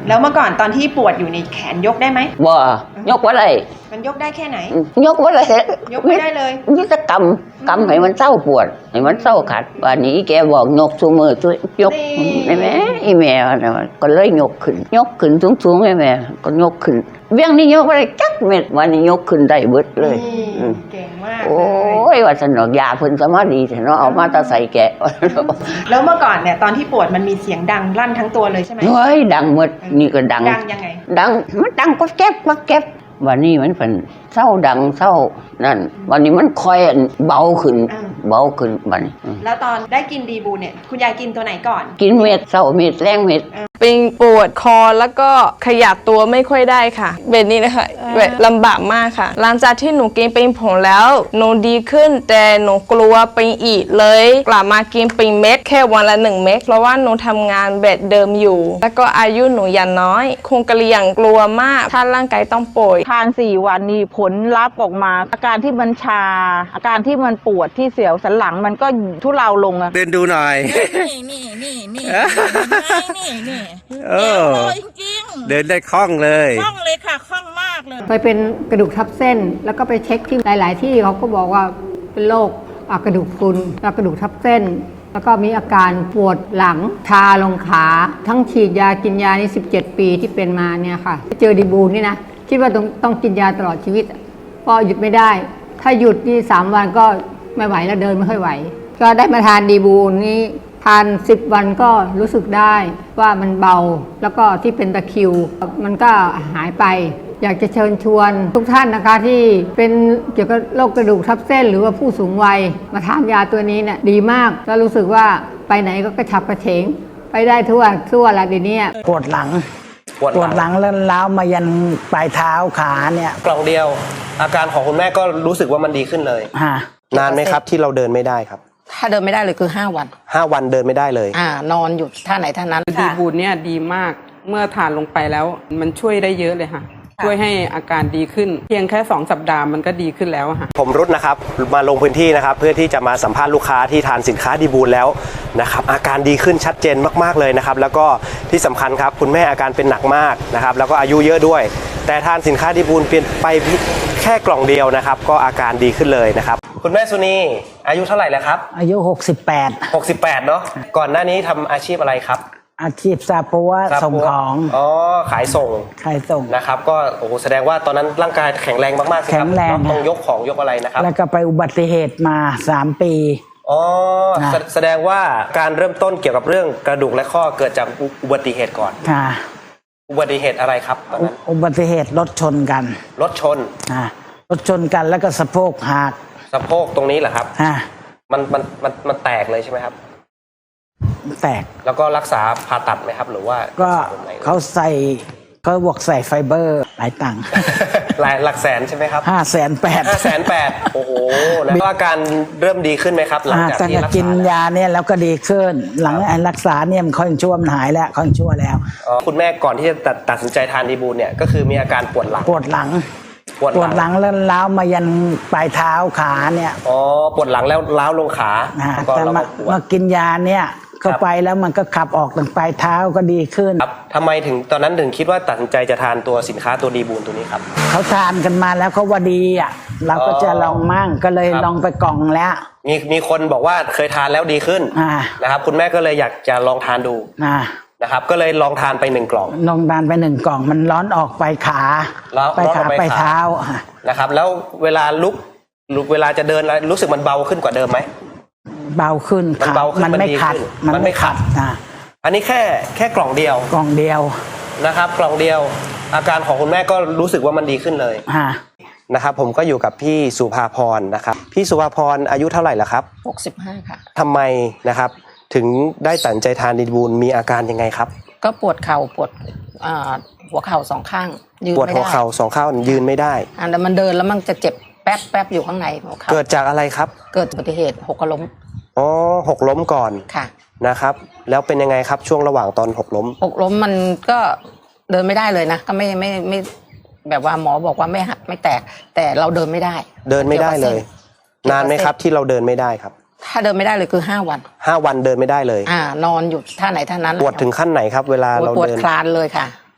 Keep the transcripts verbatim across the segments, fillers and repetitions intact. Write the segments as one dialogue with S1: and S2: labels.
S1: แล้วเมื่อก่อนตอนที่ปวดอยู่ในแขนยกได้ไหม
S2: บ่ยกว่าไร
S1: มันยกได้แค่ไหน
S2: ยกว่าไร
S1: ยกไม่ได้เลย
S2: นี่จะกำกำให้มันเศร้าปวดให้มันเศร้าขัดวันนี้แกบอกยกสูมือตัวยกไอ้แม่ไอ้แม่ก็เลยยกขึ้นยกขึ้นสูงๆไอ้แม่ก็ยกขึ้นเบี้ยงนี่ยกอะไรจักเม็ดวันนี้ยกขึ้นได้เบิดเลย
S1: เก่งมาก
S2: โอ้ยว่าสนุกยาเพิ่นสมาดีแต่เนาะเอามาตาใส่แกะ
S1: แล้วเมื่อก่อนเนี่ยตอนที่ปวดมันมีเสียงดังลั่นทั้งตัวเลยใช่ไหม
S2: เฮ้ยดังหมดนี่ก็ดัง
S1: ดังยังไง
S2: ดังมันดังก็แก๊บก็แก๊บวันนี้มันเป็นเศร้าดังเศร้านั่นวันนี้มันคอยเบาขึ้นเบาขึ้นวันนี้
S1: แล้วตอนได้กินดีบูเนี่ยคุณยายกินตัวไหนก่อน
S2: กินเม็ดเศร้าเม็ดแรงเม็ด
S3: เป็นปวดคอแล้วก็ขยับตัวไม่ค่อยได้ค่ะแบบนี้นะคะแบบลำบากมากค่ะหลังจากที่หนูกินเป็นผงแล้วหนูดีขึ้นแต่หนูกลัวเป็นอีกเลยกลับมากินเป็นเม็ดแค่วันละหนึ่งเม็ดเพราะว่าหนูทำงานแบบเดิมอยู่แล้วก็อายุหนูยังน้อยคงกระเลียงกลัวมากถ้าร่างกายต้องป่วย
S4: ทานสี่วันนี้ผลลัพธ์ออกมาอาการที่มันชาอาการที่มันปวดที่เสียวสันหลังมันก็ทุเลาลงอะ
S5: เดินดูหน่อย
S6: นี่นี่นี่นี่นี่นี่
S5: เออ
S6: จริง
S5: เดินได้คล่องเลย
S6: คล่องเลยค่ะคล่องมากเลย
S7: ไปเป็นกระดูกทับเส้นแล้วก็ไปเช็คที่หลายๆที่เขาก็บอกว่าเป็นโรคกระดูกพรุนแล้วกระดูกทับเส้นแล้วก็มีอาการปวดหลังชาลงขาทั้งฉีดยากินยานี่สิบเจ็ดปีที่เป็นมาเนี่ยค่ะเจอดีบูนนี่นะคิดว่าต้องต้องกินยาตลอดชีวิตก็หยุดไม่ได้ถ้าหยุดนี่สามวันก็ไม่ไหวแล้วเดินไม่ค่อยไหวก็ได้มาทานดีบูนนี้ทานสิบวันก็รู้สึกได้ว่ามันเบาแล้วก็ที่เป็นตะคริวมันก็หายไปอยากจะเชิญชวนทุกท่านนะคะที่เป็นเกี่ยวกับโรคกระดูกทับเส้นหรือว่าผู้สูงวัยมาทานยาตัวนี้เนี่ยดีมากแล้วรู้สึกว่าไปไหนก็กระฉับกระเฉงไปได้ทั่วทั่วละเดี๋ยวนี้
S8: ปวดหลังปวดหลังแล้วล้าวมายันปลายเท้าขาเนี่ย
S5: กล่องเดียวอาการของคุณแม่ก็รู้สึกว่ามันดีขึ้นเลยนานไหมครับที่เราเดินไม่ได้ครับ
S9: ถ้าเดินไม่ได้เลยคือห้าวัน
S5: ห้าวันเดินไม่ได้เลย
S9: อ่านอนอยู่ท่าไหนท่านั้น
S10: ดีบูนเนี่ยดีมากเมื่อทานลงไปแล้วมันช่วยได้เยอะเลยค่ะช่วยให้อาการดีขึ้นเพียงแค่สองสัปดาห์มันก็ดีขึ้นแล้วค่ะ
S5: ผมรุดนะครับมาลงพื้นที่นะครับเพื่อที่จะมาสัมภาษณ์ลูกค้าที่ทานสินค้าดีบูนแล้วนะครับอาการดีขึ้นชัดเจนมากๆเลยนะครับแล้วก็ที่สำคัญครับคุณแม่อาการเป็นหนักมากนะครับแล้วก็อายุเยอะด้วยแต่ทานสินค้าดีบูนเปลี่ยนไปแค่กล่องเดียวนะครับก็อาการดีขึ้นเลยนะครับคุณแม่สุนีอายุเท่าไหร่แล้วครับ
S8: อายุหกสิบแปด
S5: หกสิบแปดเนาะก่อนหน้านี้ทำอาชีพอะไรครับ
S8: อาชีพซาปัวส่งของ
S5: อ๋อขายส่ง
S8: ขายส่ง
S5: นะครับก็โอ้โหแสดงว่าตอนนั้นร่างกายแข็งแรงมากๆสิครับ
S8: แข็งแรง
S5: ต้องยกของยกอะไรนะครับ
S8: แล้วก็ไปอุบัติเหตุมาสามปี
S5: อ๋อแสดงว่าการเริ่มต้นเกี่ยวกับเรื่องกระดูกและข้อเกิดจากอุบัติเหตุก่อน
S8: ค่ะ
S5: อุบัติเหตุอะไรครับตอนนั้น
S8: อุบัติเหตุรถชนกัน
S5: รถชน
S8: อ่ารถชนกันแล้วก็สะโพกหัก
S5: สะโพกตรงนี้เหรอครับ
S8: อ่า
S5: มันมันมันมันแตกเลยใช่ไหมครับ
S8: แตก
S5: แล้วก็รักษาผ่าตัดไหมครับหรือว่า
S8: ก็เขาใส่เขาบวกใส่ไฟเบอร์หลายตังค์
S5: หลายหลักแสนใช่ไหมครับ
S8: ห้าแสนแปด
S5: ห้าแสนแปดโอ้โหแล้วอาการเริ่มดีขึ้นไหมครับหลังจากที่รักษา
S8: กินยาเนี่ยแล้วก็ดีขึ้นหลังรักษาเนี่ยมันค่อยชั่วมันหายแล้วค่อยชั่วแล้ว
S5: คุณแม่ก่อนที่จะตัดตัดสินใจทานดีบูนเนี่ยก็คือมีอาการปวดหลัง
S8: ปวดหลังปวดหลังแล้วล้าวมายันปลายเท้าขาเนี่ย
S5: อ๋อปวดหลังแล้วล้าวลงขา
S8: แต่มามากินยาเนี่ยเข้าไปแล้วมันก็ขับออกถึงปลายเท้าก็ดีขึ้น
S5: ครับทำไมถึงตอนนั้นถึงคิดว่าตัดสินใจจะทานตัวสินค้าตัวดีบูนตัวนี้ครับ
S8: เขาทานกันมาแล้วเขาว่าดีอ่ะเราก็จะลองมั่งก็เลยลองไปกล่องแล้ว
S5: มีมีคนบอกว่าเคยทานแล้วดีขึ้นนะครับคุณแม่ก็เลยอยากจะลองทานดูนะครับก็เลยลองทานไปหนึ่งกล่อง
S8: ลองทานไปหนึ่งกล่องมันร้อนออกไปขาไปขาไปเท้า
S5: นะครับแล้วเวลาลุกลุกเวลาจะเดินรู้สึกมันเบาขึ้นกว่าเดิมไหม
S8: เบาขึ้น
S5: มันเบาขึ้น
S8: มันไม่ขัด
S5: มันไม่ขัด
S8: นะ
S5: อันนี้แค่แค่กล่องเดียว
S8: กล่องเดียว
S5: นะครับกล่องเดียวอาการของคุณแม่ก็รู้สึกว่ามันดีขึ้นเลยนะครับผมก็อยู่กับพี่สุภาพรนะครับพี่สุภาพรอายุเท่าไหร่ละครับ
S9: หกสิบห้าค่ะ
S5: ทำไมนะครับถึงได้ตัดใจทานดีบูนมีอาการยังไงครับ
S9: ก็ปวดเข่าปวดหัวเข่าสองข้าง
S5: ยืนไม่ได้ปวดหัวเข่าสองข้างยืนไม่ได้
S9: อ่าแต่มันเดินแล้วมันจะเจ็บแป๊บแป๊บอยู่ข้างในหัวเข่า
S5: เกิดจากอะไรครับ
S9: เกิดอุบัติเหตุหกล้ม
S5: อ๋อหกล้มก่อน
S9: ค่ะ
S5: นะครับแล้วเป็นยังไงครับช่วงระหว่างตอนหกล้ม
S9: หกล้มมันก็เดินไม่ได้เลยนะก็ไม่ไม่ไม่แบบว่าหมอบอกว่าไม่หักไม่แตกแต่เราเดินไม่ได้
S5: เดินไม่ได้เลยนานไหมครับที่เราเดินไม่ได้ครับ
S9: ถ้าเดินไม่ได้เลยคือห้าวัน
S5: ห้าวันเดินไม่ได้เลย
S9: อ่านอนอยู่ท่าไหนท่านั้น
S5: ปวดถึงขั้นไหนครับเวลาเรา
S9: เดินปวดคลานเลยค่ะ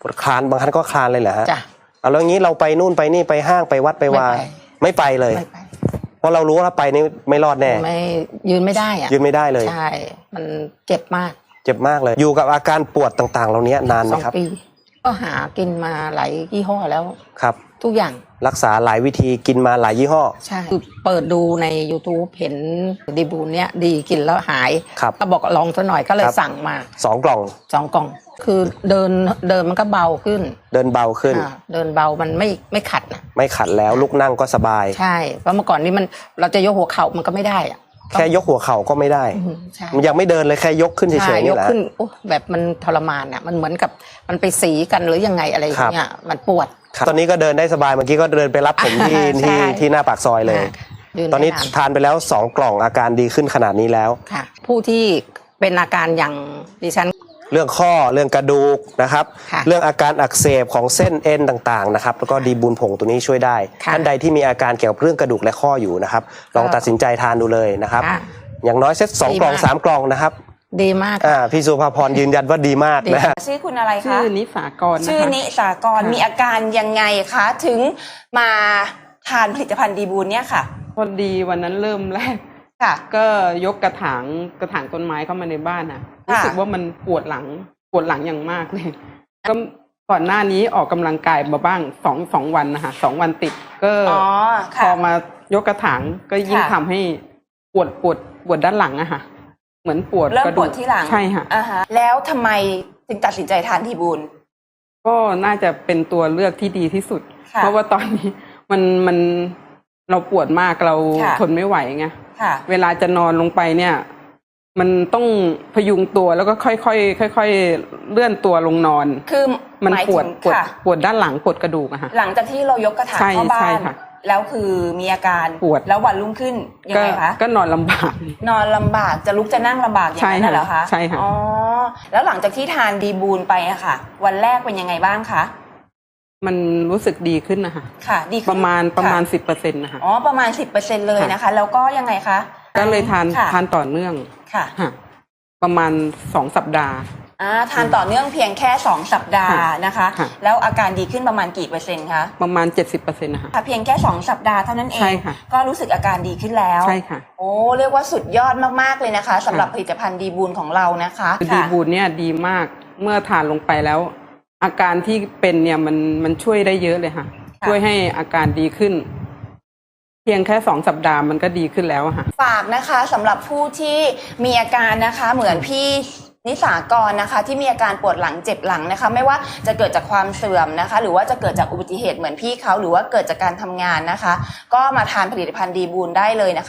S5: ปวดคลานบางครั้งก็คลานเลยเหรอฮะ
S9: จ้ะ
S5: เอาแล้วงี้เราไปนู่นไปนี่ไปห้างไปวัดไปวา
S9: ไม่ไป
S5: ไม่ไปเลย
S9: ไม่ไป
S5: เพราะเรารู้ว่าถ้าไปนี่ไม่รอดแน่
S9: ไม่ยืนไม่ได้อะ
S5: ยืนไม่ได้เลย
S9: ใช่มันเจ็บมาก
S5: เจ็บมากเลย อยู่กับอาการปวดต่างๆ เหล่านี้นานไห
S9: ส
S5: ม
S9: อง
S5: ครับ
S9: ปี ก็หากินมาหลายยี่ห้อแล้ว
S5: ครับ
S9: ทุกอย่าง
S5: รักษาหลายวิธีกินมาหลายยี่ห้อ
S9: ใช่คือเปิดดูใน YouTube เห็นดีบูนเนี้ยดีกินแล้วหาย
S5: ครับ
S9: ก็บอกลองซะหน่อยก็เลย
S5: ครับ
S9: สั่งมา
S5: สองกล่อง
S9: สองกล่อง คือเดินเดินมันก็เบาขึ้น
S5: เดินเบาขึ้น
S9: อ่าเดินเบามันไม่ไม่ขัดนะ
S5: ไม่ขัดแล้วลุกนั่งก็สบาย
S9: ใช่เพราะเมื่อก่อนนี้มันเราจะยกหัวเข่ามันก็ไม่ได้อะ
S5: แค่ยกหัวเข่าก็ไม่ได้
S9: อืมใช่
S5: มันยังไม่เดินเลยแค่ยกขึ้นเฉ
S9: ใช่
S5: ยๆ
S9: ย
S5: นี่
S9: ก
S5: แหละ
S9: ขึ้นโอ้แบบมันทรมานอ่ะมันเหมือนกับมันไปสีกันหรือยังไงอะไรอย่างเงี้ยมันปวด
S5: ครับตอนนี้ก็เดินได้สบายเมื่อกี้ก็เดินไปรับผมที่
S9: ใช่
S5: ที่ที่หน้าปากซอยเลย
S9: ยืน
S5: ตอนนี้
S9: ได้า
S5: ทานไปแล้วสองกล่องอาการดีขึ้นขนาดนี้แล้ว
S9: ค่ะ ผู้ที่เป็นอาการอย่างดิฉัน
S5: เรื่องข้อเรื่องกระดูกนะครับ
S9: ค่ะ
S5: เรื่องอาการอักเสบของเส้นเอ็นต่างๆนะครับแล้วก็ดีบูนผงตัวนี้ช่วยได้
S9: ค่ะ
S5: ท่านใดที่มีอาการเกี่ยวกับเรื่องกระดูกและข้ออยู่นะครับลองตัดสินใจทานดูเลยนะครับ
S9: ค่ะ
S5: อย่างน้อยเซตสอง
S9: ดี
S5: กล่อง
S9: มาก
S5: สามกล่องนะครับ
S9: ดีมาก
S5: อ่าพี่สุภาพรยืนยันว่าดีมากนะฮะ
S6: ชื่อคุณอะไร
S10: ชื่
S6: คะ
S10: อนิสากรนะคะ
S6: ชื่อนิสากร
S10: ค่ะ
S6: มีอาการยังไงคะ ถึงมาทานผลิตภัณฑ์ดีบูนเนี่ยค่ะ
S10: พอดีวันนั้นเริ่มแรก
S6: ค่ะ
S10: ก็ยกกระถางกระถางต้นไม้เข้ามาในบ้านนะ
S6: ค่ะ
S10: รู้สึกว่ามันปวดหลังปวดหลังอย่างมากเลย ก็ก่อนหน้านี้ออกกำลังกายมาบ้างสองสองวันนะคะสองวันติด ก็
S6: อ๋อ
S10: พ
S6: ค่ะ
S10: อมายกกระถางก็ยิ่ง
S6: ค่ะ
S10: ทำให้ปวดปวดปวดด้านหลังอะค่ะ เหมือนปวด
S6: เริ่ม
S10: กระ
S6: ป
S10: ดู
S6: วด
S10: ก
S6: ที่หลัง
S10: ใช่ค่ะ
S6: อ่าฮะแล้วทำไมถึงตัดสินใจทานดีบูน
S10: ก็น่าจะเป็นตัวเลือกที่ดีที่สุด
S6: ค่ะ
S10: เพราะว่าตอนนี้มันมันเราปวดมากเรา
S6: ค่ะ
S10: ทนไม่ไหวไง
S6: ค่ะ
S10: เวลาจะนอนลงไปเนี่ย มันต้องพยุงตัวแล้วก็ค่อยๆค่อยๆเลื่อนตัวลงนอน
S6: คือ
S10: มัน
S6: หมาย
S10: ปว
S6: ถึ
S10: ด
S6: ง
S10: ปวด
S6: ค่ะ
S10: ปวดด้านหลังปวดกระดูกอะค่ะ
S6: หลังจากที่เรายกกระถาง
S10: ใช่
S6: เข้าบ้า
S10: ใช่
S6: น
S10: ค่ะ
S6: แล้วคือมีอาการ
S10: ปวด
S6: แล้ววันรุ่งขึ้นยัง
S10: ก็
S6: ไงคะ
S10: ก็นอนลำบาก
S6: นอนลำบากจะลุกจะนั่งลำบากอย่างนั้น
S10: ใช่
S6: น่ะเหรอคะ
S10: ใช่ค่ะ
S6: อ๋อแล้วหลังจากที่ทานดีบูนไปอะค่ะ วันแรกเป็นยังไงบ้างคะ
S10: มันรู้สึกดีขึ้นนะคะ
S6: ค่ะ ดีขึ้น
S10: ประมาณประมาณ
S6: ค่
S10: สิบเปอร์เซ็นต์นะคะ
S6: อ๋อประมาณสิบเปอร์เซ็นต์เลยนะคะ แล้วก็ยังไงคะ
S10: ก็เลยทาน
S6: ค่ะ
S10: ทานต่อเนื่อง
S6: ค่ะ
S10: ค่ะประมาณสองสัปดาห์
S6: อ่าทานต่อเนื่องเพียงแค่สองสัปดาห์นะคะ
S10: ค่ะ
S6: แล้วอาการดีขึ้นประมาณกี่เปอร์เซ็นต์คะ
S10: ประมาณเจ็ดสิบเปอร์เซ็นต์นะคะ
S6: ค่ะเพียงแค่สองสัปดาห์เท่านั้นเอ
S10: ใช่
S6: ง
S10: ค่ะ
S6: ก็รู้สึกอาการดีขึ้นแล้ว
S10: ใช่ค่ะ
S6: โอ้เรียกว่าสุดยอดมากๆเลยนะคะสำหรับผลิตภัณฑ์ดีบูนของเรานะคะ
S10: คือดี
S6: ค่ะ
S10: บูนเนี่ยดีมากเมื่อทานลงไปแล้ว อาการที่เป็นเนี่ยมันมันช่วยได้เยอะเลยค่ะ
S6: ค่ะ
S10: ช่วยให้อาการดีขึ้น เพียงแค่สองสัปดาห์มันก็ดีขึ้นแล้วอะค่ะ
S6: ฝากนะคะสำหรับผู้ที่มีอาการนะคะเหมือนพี่นิสากรนะคะ ที่มีอาการปวดหลังเจ็บหลังนะคะ ไม่ว่าจะเกิดจากความเสื่อมนะคะ หรือว่าจะเกิดจากอุบัติเหตุเหมือนพี่เขาหรือว่าเกิดจากการทำงานนะคะ ก็มาทานผลิตภัณฑ์ดีบูนได้เลยนะคะ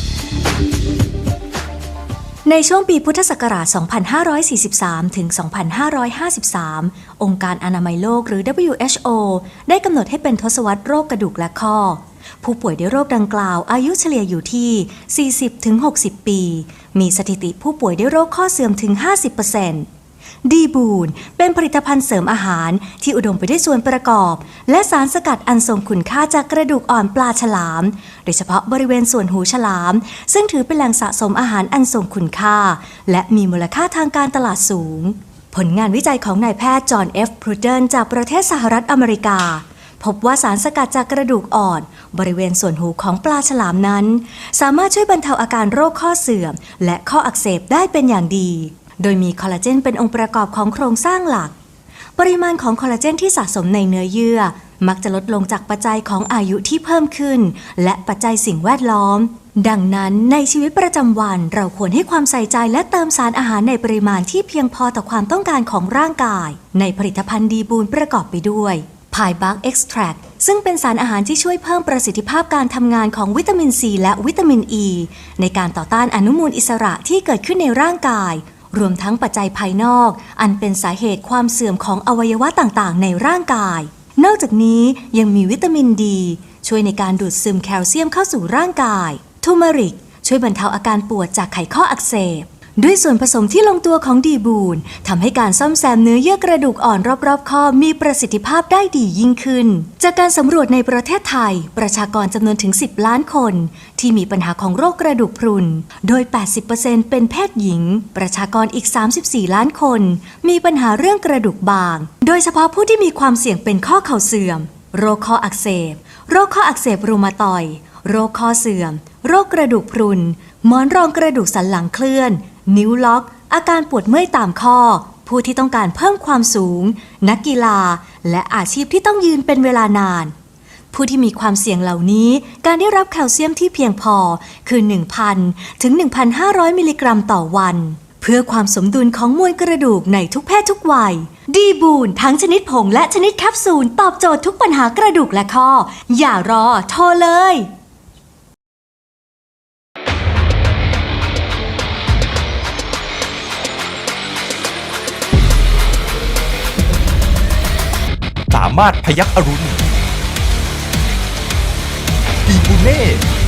S11: ในช่วงปีพุทธศักราช สองพันห้าร้อยสี่สิบสาม ถึง สองพันห้าร้อยห้าสิบสาม องค์การอนามัยโลกหรือ ดับเบิลยู เอช โอ ได้กำหนดให้เป็นทศวรรษโรคกระดูกและข้อ ผู้ป่วยด้วยโรคดังกล่าวอายุเฉลี่ยอยู่ที่ สี่สิบถึงหกสิบ ปี มีสถิติผู้ป่วยด้วยโรคข้อเสื่อมถึง ห้าสิบเปอร์เซ็นต์ ดีบูนเป็นผลิตภัณฑ์เสริมอาหารที่อุดมไปด้วยส่วนประกอบ และสารสกัดอันทรงคุณค่าจากกระดูกอ่อนปลาฉลาม โดยเฉพาะบริเวณส่วนหูฉลาม ซึ่งถือเป็นแหล่งสะสมอาหารอันทรงคุณค่า และมีมูลค่าทางการตลาดสูง ผลงานวิจัยของนายแพทย์จอห์น เอฟ พรูเดนจากประเทศสหรัฐอเมริกา พบว่าสารสกัดจากกระดูกอ่อนบริเวณส่วนหูของปลาฉลามนั้น สามารถช่วยบรรเทาอาการโรคข้อเสื่อม และข้ออักเสบได้เป็นอย่างดี โดยมีคอลลาเจนเป็นองค์ประกอบของโครงสร้างหลัก ปริมาณของคอลลาเจนที่สะสมในเนื้อเยื่อมักจะลดลงจากปัจจัยของอายุที่เพิ่มขึ้น และปัจจัยสิ่งแวดล้อม ดังนั้นในชีวิตประจำวันเราควรให้ความใส่ใจและเติมสารอาหารในปริมาณที่เพียงพอต่อความต้องการของร่างกาย ในผลิตภัณฑ์ดีบูนประกอบไปด้วยพายบักเอ็กซ์แทรคซึ่งเป็นสารอาหารที่ช่วยเพิ่มประสิทธิภาพการทำงานของวิตามินซีและวิตามินอ e, ีในการต่อต้านอนุมูลอิสระที่เกิดขึ้นในร่างกายรวมทั้งปัจจัยภายนอกอันเป็นสาเหตุความเสื่อมของอวัยวะต่างๆในร่างกายนอกจากนี้ยังมีวิตามินดีช่วยในการดูดซึมแคลเซียมเข้าสู่ร่างกายทูเมริกช่วยบรรเทาอาการปวดจากไขข้ออักเสบด้วยส่วนผสมที่ลงตัวของดีบูนทำให้การซ่อมแซมเนื้อเยื่อกระดูกอ่อนรอบๆข้อมีประสิทธิภาพได้ดียิ่งขึ้นจากการสำรวจในประเทศไทยประชากรจำนวนถึงสิบล้านคนที่มีปัญหาของโรคกระดูกพรุนโดย แปดสิบเปอร์เซ็นต์ เป็นเพศหญิงประชากรอีกสามสิบสี่ล้านคนมีปัญหาเรื่องกระดูกบางโดยเฉพาะผู้ที่มีความเสี่ยงเป็นข้อเข่าเสื่อมโรคข้ออักเสบโรคข้ออักเสบรูมาตอยด์โรคข้อเสื่อมโรคกระดูกพรุนหมอนรองกระดูกสันหลังเคลื่อนนิ้วล็อกอาการปวดเมื่อยตามข้อผู้ที่ต้องการเพิ่มความสูงนักกีฬาและอาชีพที่ต้องยืนเป็นเวลานานผู้ที่มีความเสี่ยงเหล่านี้การได้รับแคลเซียมที่เพียงพอคือ หนึ่งพัน ถึง หนึ่งพันห้าร้อย มิลลิกรัมต่อวันเพื่อความสมดุลของมวลกระดูกในทุกเพศทุกวัยดีบูนทั้งชนิดผงและชนิดแคปซูลตอบโจทย์ทุกปัญหากระดูกและข้ออย่ารอโทรเลย
S12: สามารถพยัคฆ์อรุณดีบูเน่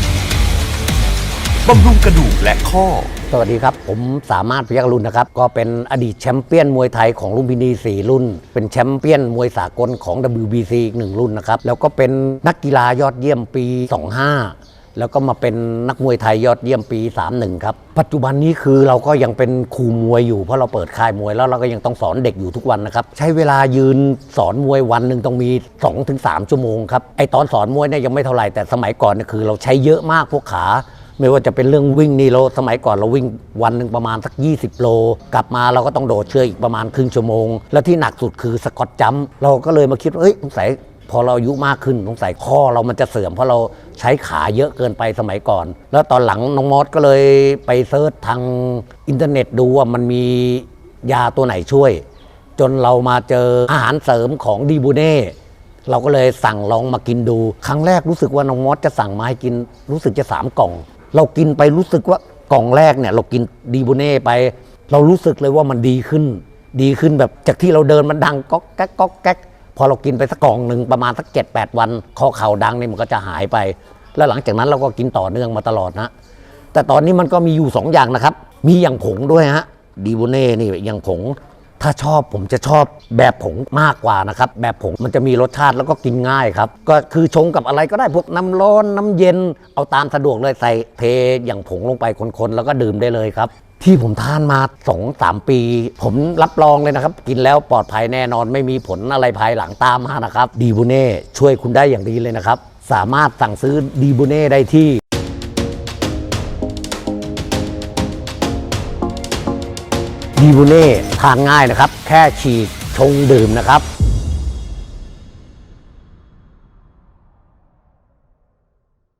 S12: บำรุงกระดูกและข้อ
S13: สวัสดีครับผมสามารถพยัคฆ์อรุณนะครับก็เป็นอดีตแชมเปี้ยนมวยไทยของลุมพินีสี่รุ่นเป็นแชมเปี้ยนมวยสากลของ ดับเบิลยู บี ซี อีกหนึ่งรุ่นนะครับแล้วก็เป็นนักกีฬายอดเยี่ยมปีสองห้าแล้วก็มาเป็นนักมวยไทยยอดเยี่ยมปีสามสิบเอ็ดครับปัจจุบันนี้คือเราก็ยังเป็นครูมวยอยู่เพราะเราเปิดค่ายมวยแล้วเราก็ยังต้องสอนเด็กอยู่ทุกวันนะครับใช้เวลายืนสอนมวยวันหนึ่งต้องมี สองถึงสาม ชั่วโมงครับไอตอนสอนมวยเนี่ยยังไม่เท่าไหร่แต่สมัยก่อนเนี่ยคือเราใช้เยอะมากพวกขาไม่ว่าจะเป็นเรื่องวิ่งนี่เราสมัยก่อนเราวิ่งวันหนึ่งประมาณสักยี่สิบโลกลับมาเราก็ต้องโดดเชือกอีกประมาณครึ่งชั่วโมงแล้วที่หนักสุดคือสกอตจัมป์เราก็เลยมาคิดว่าเอ้ยสงสัยพอเราอายุมากขึ้นสงสัยข้อเรามันจะเสื่อมเพราะเราใช้ขาเยอะเกินไปสมัยก่อนแล้วตอนหลังน้องมอสก็เลยไปเซิร์ชทางอินเทอร์เน็ตดูว่ามันมียาตัวไหนช่วยจนเรามาเจออาหารเสริมของดีบูเน่เราก็เลยสั่งลองมากินดูครั้งแรกรู้สึกว่าน้องมอสจะสั่งมาให้กินรู้สึกจะสามกล่องเรากินไปรู้สึกว่ากล่องแรกเนี่ยเรากินดีบูเน่ไปเรารู้สึกเลยว่ามันดีขึ้นดีขึ้นแบบจากที่เราเดินมันดังก๊อกแก๊กก๊อกแก๊กพอเรากินไปสักกล่องหนึ่งประมาณสัก เจ็ดแปด วันข้อเข่าดังนี่มันก็จะหายไปแล้วหลังจากนั้นเราก็กินต่อเนื่องมาตลอดนะแต่ตอนนี้มันก็มีอยู่สองอย่างนะครับมีอย่างผงด้วยฮะดีบูเน่นี่อย่างผงถ้าชอบผมจะชอบแบบผงมากกว่านะครับแบบผงมันจะมีรสชาติแล้วก็กินง่ายครับก็คือชงกับอะไรก็ได้พวกน้ำร้อนน้ำเย็นเอาตามสะดวกเลยใส่เทอย่างผงลงไปคนๆแล้วก็ดื่มได้เลยครับที่ผมทานมา สองถึงสาม ปีผมรับรองเลยนะครับกินแล้วปลอดภัยแน่นอนไม่มีผลอะไรภายหลังตามมานะครับดีบูเน่ช่วยคุณได้อย่างดีเลยนะครับสามารถสั่งซื้อดีบูเน่ได้ที่ดีบูเน่ทานง่ายนะครับแค่ฉีกชงดื่มนะครับ